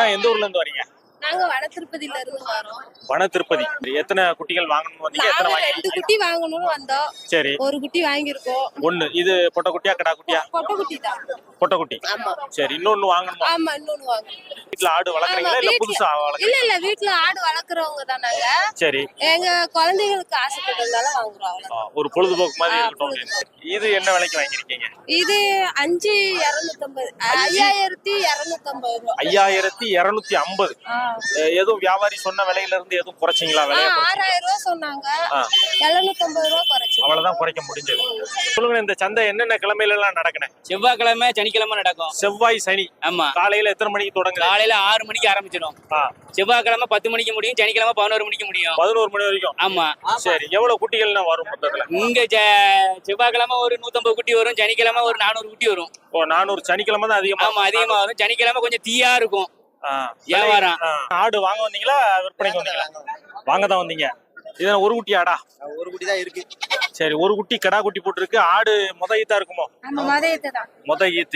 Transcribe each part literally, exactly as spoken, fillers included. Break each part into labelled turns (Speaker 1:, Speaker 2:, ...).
Speaker 1: அண்ணா எந்த ஊர்ல இருந்து வரீங்க?
Speaker 2: நாங்க வட திருப்பதியில இருந்து வரோம்.
Speaker 1: வட திருப்பதி. எத்தனை குட்டிகள் வாங்கணும் வந்தீங்க? எத்தனை
Speaker 2: நாங்க
Speaker 1: வாங்கி?
Speaker 2: ரெண்டு குட்டி வாங்கணும்னு வந்தோம்.
Speaker 1: சரி.
Speaker 2: ஒரு குட்டி வாங்கியிருக்கோம்.
Speaker 1: ஒண்ணு. இது பொட்டை குட்டியா கடா குட்டியா?
Speaker 2: பொட்டை குட்டி தான்.
Speaker 1: பொட்டை குட்டி.
Speaker 2: ஆமா.
Speaker 1: சரி, இன்னொன்னு வாங்கணுமா?
Speaker 2: ஆமா, இன்னொன்னு வாங்கணும்.
Speaker 1: வீட்ல ஆடு வளர்க்குறீங்களா இல்ல புதுசா வளர்க்குறீங்களா?
Speaker 2: இல்ல இல்ல, வீட்ல ஆடு வளர்க்குறவங்க தான் நாங்க.
Speaker 1: சரி.
Speaker 2: எங்க குழந்தைகளுக்கு ஆசைப்பட்டதால வாங்குறோம்.
Speaker 1: ஒரு பொழுதுபோக்கு மாதிரி இருக்கட்டும். இது என்ன விலைக்கு வாங்கிருக்கீங்க?
Speaker 2: இது அஞ்சு இருநூத்தி ஐம்பது ஐயாயிரத்தி இருநூத்தி ஐம்பது ரூபாய்.
Speaker 1: ஐயாயிரத்தி இருநூத்தி ஐம்பது. எதுவும் வியாபாரி சொன்ன விலையில இருந்து எதுவும் குறைச்சிங்களா? விலை
Speaker 2: ஆறாயிரம் ரூபாய் சொன்னாங்க. எழுநூத்தி ஐம்பது ரூபாய் குறைச்சு.
Speaker 1: அவ்வளவுதான் குறைக்க முடிஞ்சது. சொல்லுங்க, இந்த சந்தை என்னென்ன கிழமையில எல்லாம் நடக்குனே?
Speaker 3: செவ்வாய்க்கிழமை சனிக்கிழமை நடக்கும்.
Speaker 1: செவ்வாய் சனி.
Speaker 3: ஆமா.
Speaker 1: காலையில எத்தனை மணிக்கு தொடங்குது?
Speaker 3: காலையில ஆறு மணிக்கு ஆரம்பிச்சிடும். செவ்வாய்க்கிழமை பத்து மணிக்கு முடியும், சனிக்கிழமை பதினோரு மணிக்கு முடியும்.
Speaker 1: பதினோரு மணி வரைக்கும்.
Speaker 3: ஆமா.
Speaker 1: சரி, எவ்வளவு குட்டிகள்னா வரும் மொத்தத்துல?
Speaker 3: இங்க செவ்வாய்க்கிழமை ஒரு நூத்தம்பது குட்டி வரும், சனிக்கிழமை ஒரு நானூறு குட்டி வரும்.
Speaker 1: ஓ, நானூறு. சனிக்கிழமை தான் அதிகமா?
Speaker 3: ஆமா, அதிகமா வரும். சனிக்கிழமை கொஞ்சம் தீயா இருக்கும் வியாபாரம்.
Speaker 1: ஆடு வாங்க வந்தீங்களா விற்பனைக்கு வந்தீங்களா? வாங்க தான் வந்தீங்க. இது ஒரு குட்டி ஆடா?
Speaker 4: ஒரு குட்டி தான் இருக்கு.
Speaker 1: சரி, ஒரு குட்டி கடா குட்டி போட்டுருக்கு. ஆடு முத ஈத்தா இருக்குமோ?
Speaker 2: முத ஈத்து தான்.
Speaker 1: முத ஈத்து.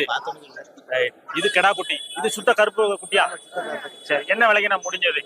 Speaker 1: இது கடா குட்டி. இது சுத்த கருப்பு குட்டியா? சரி, என்ன விலைக்கு நான் முடிஞ்சது?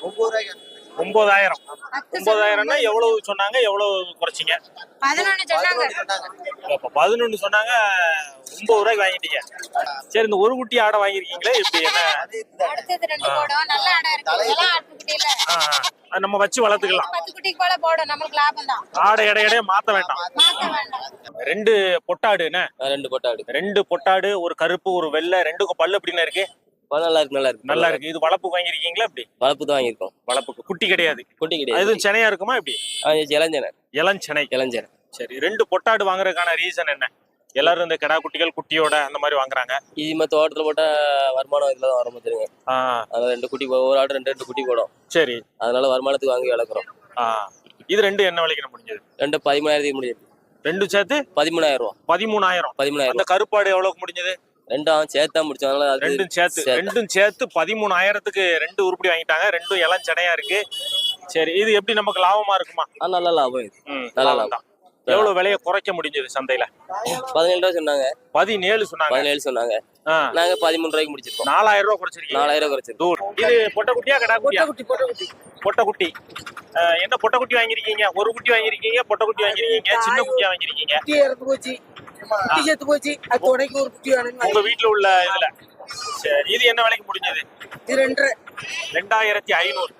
Speaker 1: ஒன்பதாயிரம். ஒன்பதாயிரம்னா எவ்வளவு சொன்னாங்க, எவ்வளவு குறைச்சிங்க?
Speaker 2: பதினொன்னு சொன்னாங்க.
Speaker 1: பதினொன்னு சொன்னாங்க, ஒன்பது ரூபாய்க்கு வாங்கிட்டீங்க. சரி, இந்த ஒரு குட்டி ஆடை வாங்கிருக்கீங்களே, இப்படி என்ன?
Speaker 2: அடுத்தது ரெண்டு போடும். நல்ல ஆடை இருக்கு. இதெல்லாம் ஆட்டு குட்டியில
Speaker 1: நம்ம வச்சு வளர்த்துக்கலாம்.
Speaker 2: பத்து குட்டிக்கு போல போடும். நமக்கு லாபம் தான்.
Speaker 1: ஆடை எடை எடைய மாத்த வேண்டாம்.
Speaker 2: மாத்த வேண்டாம்.
Speaker 1: ரெண்டு பொட்டாடு என்ன?
Speaker 3: ரெண்டு பொட்டாடு.
Speaker 1: ரெண்டு பொட்டாடு, ஒரு கருப்பு ஒரு வெள்ளை. ரெண்டுக்கும் பல்லு எப்படின்னு இருக்கு?
Speaker 3: நல்லா இருக்கு. நல்லா இருக்கு.
Speaker 1: நல்லா இருக்கு. இது வளர்ப்பு வாங்கிருக்கீங்களா? இப்படி
Speaker 3: வளர்ப்பு தான் வாங்கிருக்கோம்.
Speaker 1: வளர்ப்புக்கு குட்டி கிடையாது.
Speaker 3: குட்டி கிடையாது.
Speaker 1: எதுவும் செனையா இருக்குமா? இப்படி
Speaker 3: இளஞ்சனை.
Speaker 1: இளஞ்சனை.
Speaker 3: இளஞ்சனை.
Speaker 1: சரி, ரெண்டு பொட்டாடு வாங்குறதுக்கான ரீசன் என்ன? எல்லாரும் இந்த கடா குட்டிகள் குட்டியோட அந்த மாதிரி வாங்குறாங்க.
Speaker 3: இது மத்த தோட்டத்துல போட்டா வருமானம் இதுல தான் ஆரம்பிச்சிருங்க. அதனால ரெண்டு குட்டி, ஒரு ஆடு ரெண்டு ரெண்டு குட்டி போடும்.
Speaker 1: சரி,
Speaker 3: அதனால வருமானத்துக்கு வாங்கி வளர்க்குறோம்.
Speaker 1: இது ரெண்டு என்ன விலைக்கு முடிஞ்சது?
Speaker 3: ரெண்டு பதிமூணாயிரத்துக்கு முடிஞ்சது.
Speaker 1: ரெண்டு சேர்த்து பதிமூணாயிரம் ரூபாய். பதிமூணாயிரம். பதிமூணாயிரம். அந்த கருப்பாடு எவ்வளவுக்கு முடிஞ்சது?
Speaker 3: ரெண்டும் சேர்த்தா முடிச்சோம். அதனால
Speaker 1: ரெண்டும் சேர்த்து ரெண்டும் சேர்த்து பதிமூணாயிரத்துக்கு ரெண்டு உருப்படி வாங்கிட்டாங்க. ரெண்டும் இளம் சனையா இருக்கு. சரி, இது எப்படி நமக்கு லாபமா இருக்குமா?
Speaker 3: நல்ல லாபம். இது நல்ல லாபம்.
Speaker 1: எவ்வளவு விலையை குறைக்க முடிஞ்சது சந்தையில?
Speaker 3: பதினேழு ரூபாய் சொன்னாங்க.
Speaker 1: பதினேழு சொன்னாங்க. பதினேழு
Speaker 3: சொன்னாங்க. நாங்க பதிமூணு ரூபாய்க்கு முடிச்சிருக்கோம்.
Speaker 1: நாலாயிரம் ரூபாய் குறைச்சிருக்கீங்க.
Speaker 3: நாலாயிரம் ரூபாய் குறைச்சிருக்கோம்.
Speaker 1: இது பொட்டை குட்டியா கடா குட்டியா?
Speaker 4: குட்டி பொட்டை குட்டி.
Speaker 1: பொட்டை குட்டி. என்ன பொட்டை குட்டி வாங்கிருக்கீங்க? ஒரு குட்டி வாங்கிருக்கீங்க, பொட்டை குட்டி வாங்கிருக்கீங்க, சின்ன குட்டியா வாங்கிருக்கீங்க?
Speaker 4: குட்டி இறந்து போச்சு, குட்டி செத்து போச்சு. அது உடைக்கு ஒரு குட்டி வேணும்.
Speaker 1: உங்க வீட்டுல உள்ள இதுல. சரி, இது என்ன விலைக்கு முடிஞ்சது?
Speaker 4: இது ரெண்டு
Speaker 1: ரெண்டாயிரத்தி ஐநூறு.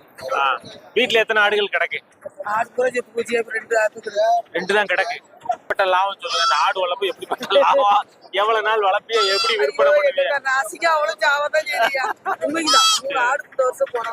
Speaker 1: வீட்டுல எத்தனை ஆடுகள் கிடக்கு?
Speaker 4: ஆடு கூட செத்து போச்சு. ரெண்டு ஆடு
Speaker 1: ரெண்டு தான் கிடக்கு. பட்ட லாபம் சொல்லுங்க. இந்த ஆடு வளர்ப்பு எப்படிப்பட்ட லாபம்? எவ்வளவு நாள் வளர்ப்பிய, எப்படி விற்பனை பண்ணுவீங்க?
Speaker 4: நாசிக்கா அவ்வளவு ஜாவதான் செய்யா. உண்மைக்குதான். ஒரு ஆடு பத்து வருஷம் போனா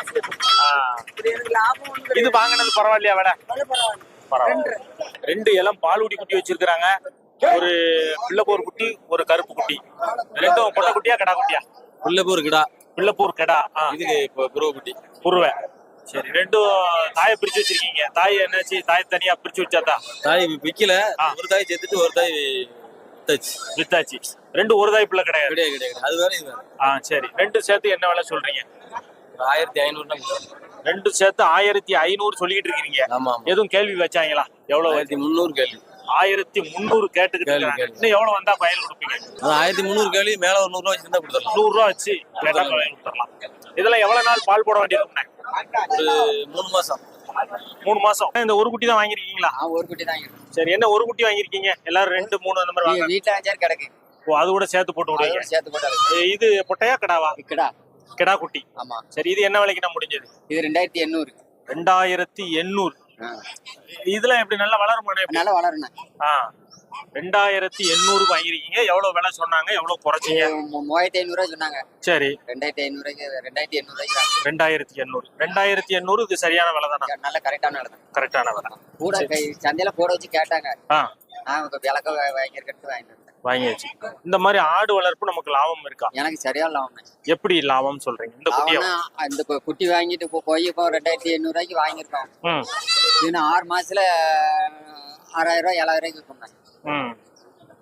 Speaker 4: எனக்கு லாபம் ஒண்ணு.
Speaker 1: இது வாங்கினது பரவாயில்லையா? விட பரவாயில்ல. ரெண்டு இளம் பாலுடி குட்டி வச்சிருக்காங்க. ஒரு பிள்ளைப்பூர் குட்டி, ஒரு கருப்பு குட்டி. ரெண்டும் பொட்டை குட்டியா கடா குட்டியா?
Speaker 3: பிள்ளைப்பூர் கிடா.
Speaker 1: பிள்ளைப்பூர் கடா.
Speaker 3: இது புருவ குட்டி.
Speaker 1: புருவ. சரி, ரெண்டும் தாயை பிரிச்சு வச்சிருக்கீங்க. தாய் என்னாச்சு? தாய் தனியா பிரிச்சு வச்சாதா?
Speaker 3: தாய் விக்கல. ஒரு தாய் செத்துட்டு ஒரு தாய்
Speaker 1: வித்தாச்சு. ரெண்டு ஒரு தாய் பிள்ளை கிடையாது.
Speaker 3: கிடையாது கிடையாது. அது வேற இது வேற.
Speaker 1: ஆ, சரி. ரெண்டு சேர்த்து என்ன விலை சொல்றீங்க?
Speaker 3: ஆயிரத்தி ஐநூறு.
Speaker 1: ரெண்டு சேர்த்து ஆயிரத்தி ஐநூறு சொல்லிட்டு இருக்கீங்க.
Speaker 3: ஆமா.
Speaker 1: எதுவும் கேள்வி வச்சாங்களா? எவ்வளவு?
Speaker 3: ஆயிரத்தி முந்நூறு கேள்வி.
Speaker 1: ஆயிரத்தி முந்நூறு கேட்டுக்கிட்டு இருக்காங்க. இன்னும் எவ்வளவு வந்தா பயன் கொடுப்பீங்க?
Speaker 3: ஆயிரத்தி முந்நூறு கேள்வி மேல ஒரு நூறு ரூபாய் வச்சிருந்தா கொடுத்துடலாம்.
Speaker 1: நூறு ரூபாய் வச்சு கேட்டா பயன் கொடுத்துடலாம். இதெல்லாம் எவ்வளவு நாள் பால் போட வேண்டியது?
Speaker 3: ஒரு மூணு மாசம்.
Speaker 1: மூணு மாசம். இந்த ஒரு குட்டி தான் வாங்கிருக்கீங்களா?
Speaker 4: ஒரு குட்டி தான்.
Speaker 1: சரி, என்ன ஒரு குட்டி வாங்கிருக்கீங்க? எல்லாரும் ரெண்டு மூணு அந்த மாதிரி வாங்க.
Speaker 4: வீட்டுல அஞ்சாறு கிடக்கு.
Speaker 1: ஓ, அது கூட சேர்த்து போட்டு விடுவீங்க?
Speaker 4: சேர்த்து போட்டாரு.
Speaker 1: இது பொட்டையா கடாவா?
Speaker 4: கிடா.
Speaker 1: கிடா குட்டி.
Speaker 4: ஆமா.
Speaker 1: சரி, இது என்ன விலைக்கு நான் முடிஞ்சது?
Speaker 4: இது ரெண்டாயிரத்தி எண்ணூறு.
Speaker 1: ரெண்டாயிரத்தி எண்ணூறு. இதெல்லாம் எப்படி நல்லா வளருமா?
Speaker 4: நல்லா வளருண்ணா.
Speaker 1: ஆ, ரெண்டாயிரத்தி எண்ணூறு வாங்கிருக்கீங்க. எவ்வளவு விலை சொன்னாங்க, எவ்வளவு குறைச்சிங்க?
Speaker 4: மூவாயிரத்தி ஐநூறு ரூபாய் சொன்னாங்க.
Speaker 1: சரி,
Speaker 4: ரெண்டாயிரத்தி ஐநூறு ரெண்டாயிரத்தி எண்ணூறு ரூபாய்க்கு.
Speaker 1: ரெண்டாயிரத்தி எண்ணூறு. ரெண்டாயிரத்தி எண்ணூறு. இது சரியான விலை தானே?
Speaker 4: நல்ல கரெக்டான விலை தான்.
Speaker 1: கரெக்டான விலை.
Speaker 4: கூட சந்தையில போட வச்சு கேட்டாங்க. நான் விளக்க வாங்கிருக்கட்டு வாங்கிட்டு
Speaker 1: வாங்கியாச்சு. இந்த மாதிரி ஆடு வளர்ப்பு நமக்கு லாபம் இருக்கா?
Speaker 4: எனக்கு சரியா லாபம்.
Speaker 1: எப்படி லாபம் சொல்றீங்க? இந்த குட்டியை
Speaker 4: இந்த குட்டி வாங்கிட்டு போய் இப்போ ரெண்டாயிரத்தி எண்ணூறு ரூபாய்க்கு வாங்கியிருக்கோம். இன்னும் ஆறு மாசத்துல ஆறாயிரம் ரூபாய் ஏழாயிரம் ரூபாய்க்கு விற்போம்.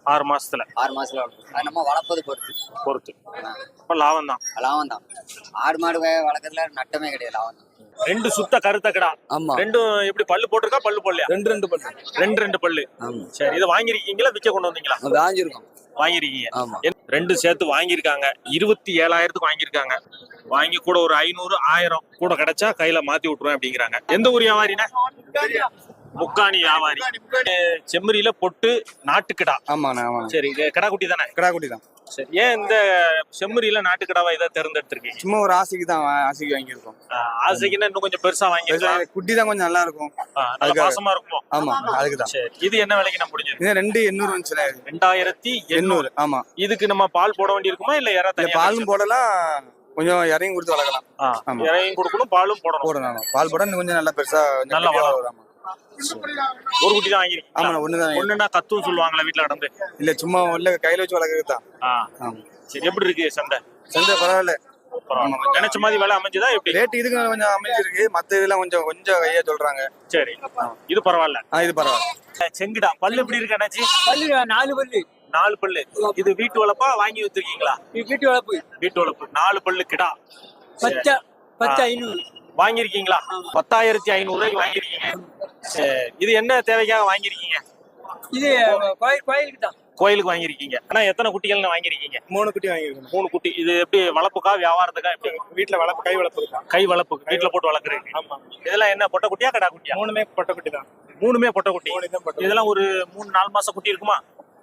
Speaker 1: ஆறு மாசத்துல
Speaker 5: ஆறு மாசத்துல வளர்க்கும். அது நம்ம வளர்ப்பது பொறுத்து
Speaker 1: பொறுத்து அப்ப லாபம் தான்.
Speaker 5: லாபம் தான். ஆடு மாடு வ- வளர்க்கறதுல நட்டமே கிடையாது, லாபம் தான்.
Speaker 1: ரெண்டு சுத்த கருத்த கிடா.
Speaker 5: ஆமா,
Speaker 1: ரெண்டும் எப்படி பல்லு போட்டிருக்கா பல்லு போடலையா?
Speaker 5: ரெண்டு ரெண்டு பல்லு.
Speaker 1: ரெண்டு ரெண்டு பல்லு.
Speaker 5: ஆமா,
Speaker 1: சரி, இதை வாங்கிருக்கீங்களா விற்க கொண்டு வந்தீங்களா?
Speaker 5: வாங்கியிருக்கோம்.
Speaker 1: வாங்கிருக்கீங்க.
Speaker 5: ஆமா,
Speaker 1: ரெண்டு சேர்த்து வாங்கியிருக்காங்க. இருபத்தி ஏழாயிரத்துக்கு வாங்கியிருக்காங்க. வாங்கி கூட ஒரு ஐநூறு ஆயிரம் கூட கிடைச்சா கையில மாத்தி விட்டுருவேன் அப்படிங்கிறாங்க. எந்த ஊர் வியாபாரினா? முக்காணி வியாபாரி. செம்மறியில பொட்டு நாட்டுக்கிடா.
Speaker 5: ஆமாண்ணா, ஆமா.
Speaker 1: சரி, இது கிடா குட்டி தானே?
Speaker 5: கிடா குட்டி தான்.
Speaker 1: சரி, ஏன் இந்த செம்மறியில நாட்டுக்கிடாவா இதை தேர்ந்தெடுத்திருக்கீங்க?
Speaker 5: சும்மா ஒரு ஆசைக்கு தான், ஆசைக்கு வாங்கியிருக்கோம்.
Speaker 1: ஆசைக்குன்னா இன்னும் கொஞ்சம் பெருசா வாங்கிருக்கலாம்.
Speaker 5: குட்டி தான் கொஞ்சம் நல்லா இருக்கும்.
Speaker 1: நல்ல பாசமா இருக்குமோ?
Speaker 5: ஆமா, அதுக்கு தான்.
Speaker 1: சரி, இது என்ன விலைக்கு நான் முடிஞ்சது?
Speaker 5: இது ரெண்டு எண்ணூறு வந்துச்சுல.
Speaker 1: ரெண்டாயிரத்தி எண்ணூறு.
Speaker 5: ஆமா.
Speaker 1: இதுக்கு நம்ம பால் போட வேண்டி இருக்குமா இல்ல யாரா தனியா?
Speaker 5: பாலும் போடலாம், கொஞ்சம் இறங்கி கொடுத்து வளர்க்கலாம்.
Speaker 1: இறங்கி கொடுக்கணும், பாலும் போடணும்.
Speaker 5: போடணும். பால் போட இன்னும் கொஞ்சம் நல்லா பெருசா
Speaker 1: நல்லா வளரும். ஒரு குட்டி தான் வாங்கிருக்கீங்க?
Speaker 5: ஆமா, ஒண்ணுதான்.
Speaker 1: ஒண்ணுன்னா கத்தும் சொல்லுவாங்களா வீட்டுல நடந்து?
Speaker 5: இல்ல, சும்மா உள்ள கையில வச்சு வளர்க்கறது தான்.
Speaker 1: சரி, எப்படி இருக்கு சந்தை?
Speaker 5: சந்தை பரவாயில்ல.
Speaker 1: நினைச்ச மாதிரி விலை அமைஞ்சதா எப்படி?
Speaker 5: ரேட் இதுக்கு கொஞ்சம் அமைஞ்சிருக்கு, மத்த இதெல்லாம் கொஞ்சம் கொஞ்சம் கையா சொல்றாங்க.
Speaker 1: சரி, இது பரவாயில்ல.
Speaker 5: இது பரவாயில்ல.
Speaker 1: செங்குடா பல்லு எப்படி இருக்கு அண்ணாச்சி?
Speaker 6: பல்லு நாலு பல்லு.
Speaker 1: நாலு பல்லு. இது வீட்டு வளர்ப்பா வாங்கி வச்சிருக்கீங்களா?
Speaker 6: வீட்டு வளர்ப்பு.
Speaker 1: வீட்டு வளர்ப்பு. நாலு பல்லு கிடா.
Speaker 6: பச்சை பச்சை ஐநூறு
Speaker 1: வாங்கிருக்கீங்களா? பத்தாயிரத்தி ஐநூறு ரூபாய்க்கு வாங்கிருக்கீங்க. சரி, இது என்ன தேவைக்காக வாங்கிருக்கீங்க?
Speaker 6: இது கோயில் கோயிலுக்கு தான்.
Speaker 1: கோயிலுக்கு வாங்கிருக்கீங்க. ஆனா எத்தனை குட்டிகள்னு வாங்கிருக்கீங்க?
Speaker 5: மூணு குட்டி வாங்கிருக்கோம்.
Speaker 1: மூணு குட்டி. இது எப்படி வளர்ப்புக்கா வியாபாரத்துக்கா எப்படி?
Speaker 5: வீட்டுல வளர்ப்பு, கை வளர்ப்பு.
Speaker 1: கை வளர்ப்பு, வீட்டுல போட்டு வளர்க்குறீங்க.
Speaker 5: ஆமா.
Speaker 1: இதெல்லாம் என்ன பொட்டை குட்டியா கடா குட்டியா?
Speaker 5: மூணுமே பொட்டை குட்டி தான்.
Speaker 1: மூணுமே பொட்டை குட்டி. இதெல்லாம் ஒரு மூணு நாலு மாசம் குட்டி இருக்குமா?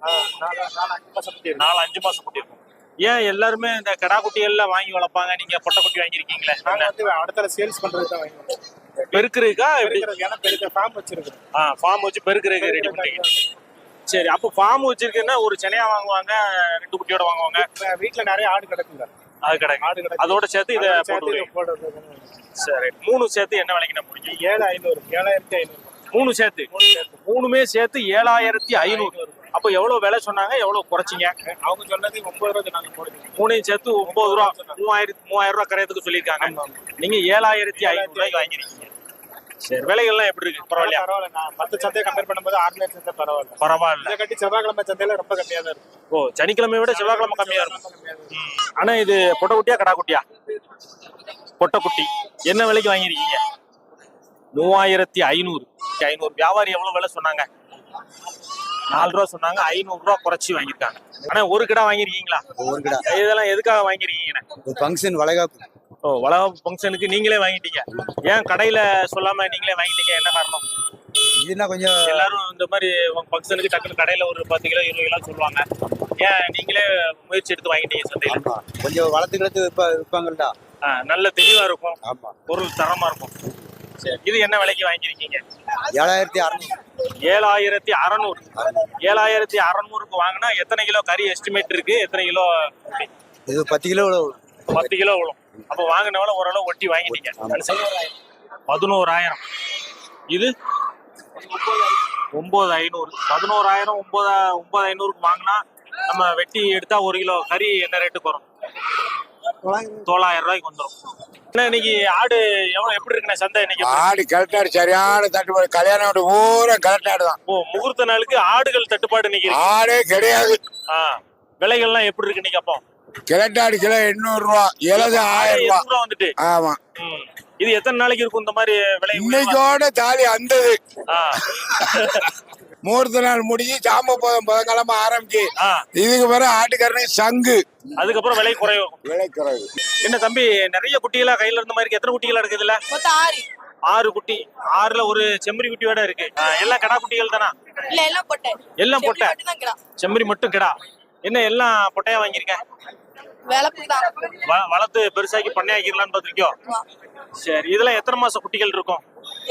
Speaker 1: நாலு அஞ்சு மாசம் குட்டி இருக்கும். ஏன் எல்லாருமே இந்த கடா குட்டிகள்ல வாங்கி வளர்ப்பாங்க, நீங்க பொட்டை குட்டி வாங்கிருக்கீங்களே?
Speaker 5: அடுத்த சேல்ஸ் பண்றது தான் வாங்கிருக்கோம்.
Speaker 1: பெருக்குறதுக்கா?
Speaker 5: ஏன்னா பெருக்க ஃபார்ம் வச்சிருக்கோம்.
Speaker 1: ஆ, ஃபார்ம் வச்சு பெருக்குறதுக்கு ரெடி பண்றீங்க. சரி, அப்போ ஃபார்ம் வச்சிருக்குன்னா ஒரு சென்னையா வாங்குவாங்க, ரெண்டு குட்டியோட வாங்குவாங்க.
Speaker 5: வீட்டுல நிறைய ஆடு கிடக்குங்க.
Speaker 1: அது கிடைக்கும்.
Speaker 5: ஆடு கிடக்கு.
Speaker 1: அதோட சேர்த்து இதை போட்டு. சரி, மூணு சேர்த்து என்ன விலைக்கு நான் முடியும்?
Speaker 5: ஏழு ஐநூறு ஏழாயிரத்தி ஐநூறு.
Speaker 1: மூணு சேர்த்து மூணுமே சேர்த்து ஏழாயிரத்தி ஐநூறு. அப்போ எவ்வளவு விலை சொன்னாங்க, எவ்வளவு குறைச்சிங்க?
Speaker 5: அவங்க சொன்னது ஒன்பது ரூபா நாங்க போடுறோம்.
Speaker 1: மூணையும் சேர்த்து ஒன்பது ரூபா, மூவாயிரத்தி மூவாயிரம் ரூபாய் கரையத்துக்கு சொல்லியிருக்காங்க. நீங்க ஏழாயிரத்தி ஐநூறு ரூபாய்க்கு வாங்கிருக்கீங்க. சரி, விலைகள்லாம் எப்படி இருக்கு? பரவாயில்லையா?
Speaker 5: பரவாயில்ல. மற்ற சந்தையை கம்பேர் பண்ணும்போது ஆர்டினரி சந்தை பரவாயில்ல.
Speaker 1: பரவாயில்ல.
Speaker 5: இதை கட்டி செவ்வாய்க்கிழமை சந்தையில ரொம்ப கம்மியா தான் இருக்கும்.
Speaker 1: ஓ, சனிக்கிழமை விட செவ்வாய்க்கிழமை கம்மியா இருக்கும். ஆனா இது பொட்டை குட்டியா கடா குட்டியா? பொட்டை குட்டி. என்ன விலைக்கு வாங்கிருக்கீங்க? மூவாயிரத்தி ஐநூறு. ஐநூறு. வியாபாரி எவ்வளவு விலை சொன்னாங்க? நாலு ரூபா சொன்னாங்க. ஐநூறு ரூபா குறைச்சி வாங்கிருக்காங்க. ஆனா ஒரு கிடா வாங்கிருக்கீங்களா?
Speaker 5: ஒரு கிடா.
Speaker 1: இதெல்லாம் எதுக்காக வாங்கிருக்கீங்க?
Speaker 5: ஒரு ஃபங்க்ஷன் வளைகாப்பு.
Speaker 1: ஓ, வளகாப்பு ஃபங்க்ஷனுக்கு நீங்களே வாங்கிட்டீங்க. ஏன் கடையில சொல்லாம நீங்களே வாங்கிட்டீங்க? என்ன காரணம்?
Speaker 5: இதுனா கொஞ்சம்
Speaker 1: எல்லாரும் இந்த மாதிரி ஃபங்க்ஷனுக்கு டக்குனு கடையில ஒரு பத்து கிலோ இருபது கிலோ சொல்லுவாங்க. ஏன் நீங்களே முயற்சி எடுத்து வாங்கிட்டீங்க சந்தையில?
Speaker 5: கொஞ்சம் வளர்த்து கிளத்து விற்பா விற்பாங்கல்ல.
Speaker 1: நல்ல தெளிவா இருக்கும்.
Speaker 5: ஆமா.
Speaker 1: பொருள் தரமா இருக்கும். சரி, இது என்ன விலைக்கு வாங்கிருக்கீங்க?
Speaker 5: ஏழாயிரத்தி அறுநூறு.
Speaker 1: ஏழாயிரத்தி அறநூறு. ஏழாயிரத்தி அறநூறுக்கு வாங்கினா எத்தனை கிலோ கறி எஸ்டிமேட் இருக்கு? எத்தனை கிலோ?
Speaker 5: இது பத்து கிலோ
Speaker 1: பத்து கிலோ விழும். அப்ப வாங்கினவள ஓரளவு ஒட்டி வாங்கிட்டீங்க. பதினோராயிரம். இது ஒன்பது ஐநூறு. பதினோராயிரம் ஒன்பது ஒன்பது ஐநூறுக்கு வாங்கினா நம்ம வெட்டி எடுத்தா ஒரு கிலோ கறி என்ன ரேட்டுக்கு வரும்? தொள்ளாயிரம் ரூபாய்க்கு வந்துடும். இன்னைக்கு ஆடு எவ்வளவு எப்படி இருக்குண்ணே சந்தை இன்னைக்கு?
Speaker 7: ஆடு கலெக்டாடு சரியான தட்டுப்பாடு. கல்யாணம் ஆடு பூரா கலெக்டாடு தான்.
Speaker 1: ஓ, முகூர்த்த நாளுக்கு ஆடுகள் தட்டுப்பாடு இன்னைக்கு இருக்கு.
Speaker 7: ஆடே கிடையாது.
Speaker 1: ஆ, விலைகள்லாம் எப்படி இருக்கு இன்னைக்கு? அப்போ
Speaker 7: கிலட்டாடு கிலோ எண்ணூறு ரூபா, இலது ஆயிரம் ரூபா
Speaker 1: ரூபா வந்துட்டு.
Speaker 7: ஆமா.
Speaker 1: இது எத்தனை நாளைக்கு இருக்கும் இந்த மாதிரி விலை?
Speaker 7: இன்னைக்கோட தாலி அந்தது. முகூர்த்த நாள் முடிஞ்சு சாம போதும் புதன்கிழமை ஆரம்பிச்சு இதுக்கு பிறகு ஆட்டுக்கரணை சங்கு.
Speaker 1: அதுக்கப்புறம் விலை குறையும்.
Speaker 7: விலை குறைவு.
Speaker 1: என்ன தம்பி, நிறைய குட்டிகளா கையில இருந்த மாதிரி எத்தனை குட்டிகளா இருக்குது? இல்ல
Speaker 2: ஆறு
Speaker 1: ஆறு குட்டி. ஆறுல ஒரு செம்மறி குட்டியோட இருக்கு. எல்லாம் கடா குட்டிகள் தானா?
Speaker 2: இல்ல, எல்லாம் பொட்டை.
Speaker 1: எல்லாம் பொட்டை. செம்மறி மட்டும் கிடா. என்ன எல்லாம் பொட்டையா வாங்கியிருக்க? வளர்த்து பெருசாக்கி பண்ணையாக்கிடலான்னு பாத்திருக்கியோ? சரி, இதெல்லாம் எத்தனை மாசம் குட்டிகள் இருக்கும்?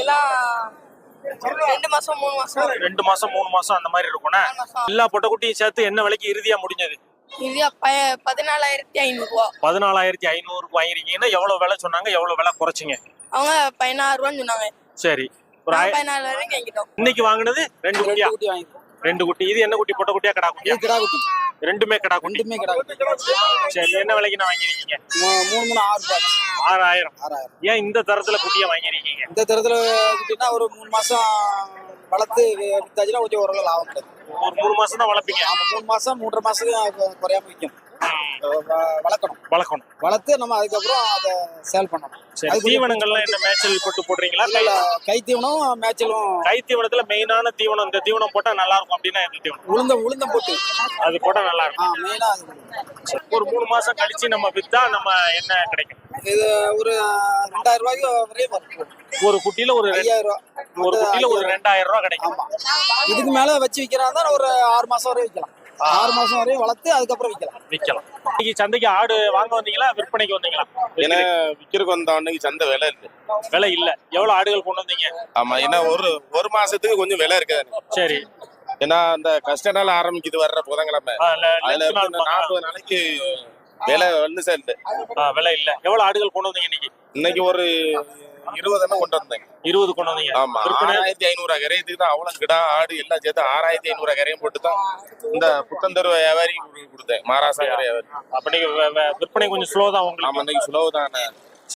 Speaker 2: ரெண்டு மாசம் மூணு மாசம்
Speaker 1: ரெண்டு மாசம் மூணு மாசம் அந்த மாதிரி இருக்கும்னா எல்லா பொட்டை குட்டியும் சேர்த்து என்ன விலைக்கு இறுதியா முடிஞ்சது?
Speaker 2: பதினாலாயிரத்தி ஐநூறு ரூபா.
Speaker 1: பதினாலாயிரத்தி ஐநூறுக்கு வாங்கிருக்கீங்கன்னா எவ்வளவு விலை சொன்னாங்க, எவ்வளவு விலை குறைச்சிங்க?
Speaker 2: அவங்க பதினாறு ரூபான்னு சொன்னாங்க.
Speaker 1: சரி, ஒரு
Speaker 2: பதினாலு வரைக்கும் வாங்கிட்டோம்.
Speaker 1: இன்னைக்கு வாங்கினது ரெண்டு குட்டியா? ரெண்டு குட்டி. இது என்ன குட்டி? பொட்டை குட்டியா கடா குட்டியா?
Speaker 5: கிடா குட்டி.
Speaker 1: ரெண்டுமே கடா குட்டி.
Speaker 5: ரெண்டுமே கிடா குட்டி.
Speaker 1: சரி, என்ன விலைக்கு நான் வாங்கிருக்கீங்க?
Speaker 5: மூணு மூணு ஆறு ரூபாய்.
Speaker 1: ஆறாயிரம்.
Speaker 5: ஆறாயிரம்.
Speaker 1: ஏன் இந்த தரத்துல குட்டியா வாங்கிருக்கீங்க?
Speaker 5: இந்த தரத்துல குட்டினா ஒரு மூணு மாசம் வளர்த்து வித்தாச்சுன்னா கொஞ்சம் ஓரளவு லாபம் கிடைக்கும்.
Speaker 1: ஒரு மூணு மாசம் தான் வளர்ப்பீங்க.
Speaker 8: ஆமா, மூணு மாசம் மூன்றரை மாசத்துக்கு குறையாம விற்கும். வளர்க்கணும்
Speaker 6: வளர்க்கணும்
Speaker 8: வளர்த்து நம்ம அதுக்கப்புறம் அதை சேல் பண்ணணும்.
Speaker 1: சரி, தீவனங்கள்லாம் என்ன மேய்ச்சல் போட்டு போடுறீங்களா?
Speaker 8: இல்ல கை தீவனம் மேய்ச்சலும்.
Speaker 1: கை தீவனத்துல மெயினான தீவனம் இந்த தீவனம் போட்டா நல்லா இருக்கும் அப்படின்னா எந்த தீவனம்?
Speaker 8: உளுந்தம் உளுந்தம் போட்டு
Speaker 1: அது போட்டா நல்லா இருக்கும்.
Speaker 8: ஆ மெயினா அது.
Speaker 1: ஒரு மூணு மாசம் கழிச்சு நம்ம வித்தா நம்ம என்ன கிடைக்கும்?
Speaker 8: இது ஒரு ரெண்டாயிரம் ரூபாய்க்கு வரையும் வரும்.
Speaker 1: ஒரு குட்டியில ஒரு ரெண்டு-
Speaker 8: ஐயாயிரம் ரூபாய்.
Speaker 1: ஒரு குட்டியில ஒரு ரெண்டாயிரம் ரூபாய் கிடைக்கும்.
Speaker 8: ஆமா, இதுக்கு மேல வச்சு விற்கிறாங்க ஒரு ஆறு மாசம் வரையும் விற்கலாம். ஆறு மாசம் வரையும் வளர்த்து அதுக்கப்புறம் விற்கலாம்.
Speaker 1: விற்கலாம். இன்னைக்கு சந்தைக்கு ஆடு வாங்க வந்தீங்களா விற்பனைக்கு வந்தீங்களா?
Speaker 9: ஏன்னா விக்கிறதுக்கு வந்த அன்னைக்கு சந்தை விலை இருக்கு.
Speaker 1: விலை இல்ல. எவ்வளவு ஆடுகள் கொண்டு வந்தீங்க?
Speaker 9: ஆமா, ஏன்னா ஒரு ஒரு மாசத்துக்கு கொஞ்சம் விலை இருக்காது.
Speaker 1: சரி.
Speaker 9: ஏன்னா அந்த கஷ்ட நாள் ஆரம்பிக்குது வர்ற புதன்கிழமை.
Speaker 1: ஆ, இல்ல,
Speaker 9: அதுல
Speaker 1: லென்த் நாள்
Speaker 9: இருந்து நாற்பது நாளைக்கு விலை வந்து சேர்ந்து.
Speaker 1: ஆ, விலை இல்ல. எவ்வளவு ஆடுகள் கொண்டு வந்தீங்க இன்னைக்கு?
Speaker 9: இன்னைக்கு ஒரு இருபது எண்ணம் கொண்டு வந்தேன்.
Speaker 1: இருபது கொண்டு வந்தீங்க.
Speaker 9: ஆமா,
Speaker 1: விற்பனை
Speaker 9: ஆறாயிரத்தி ஐநூறு கரையத்துக்கு தான் அவ்வளவு கிடா ஆடு எல்லாம் சேர்த்து ஆறாயிரத்தி ஐநூறு கரையும் போட்டு தான் இந்த புத்தந்தரு வியாபாரி கொடுத்தேன். மகாராஷ்டிரா வியாபாரி.
Speaker 1: அப்ப நீங்க வே- வே- விற்பனை கொஞ்சம் ஸ்லோ தான் உங்களுக்கு.
Speaker 9: ஆமா, இன்னைக்கு சுலவு தான்.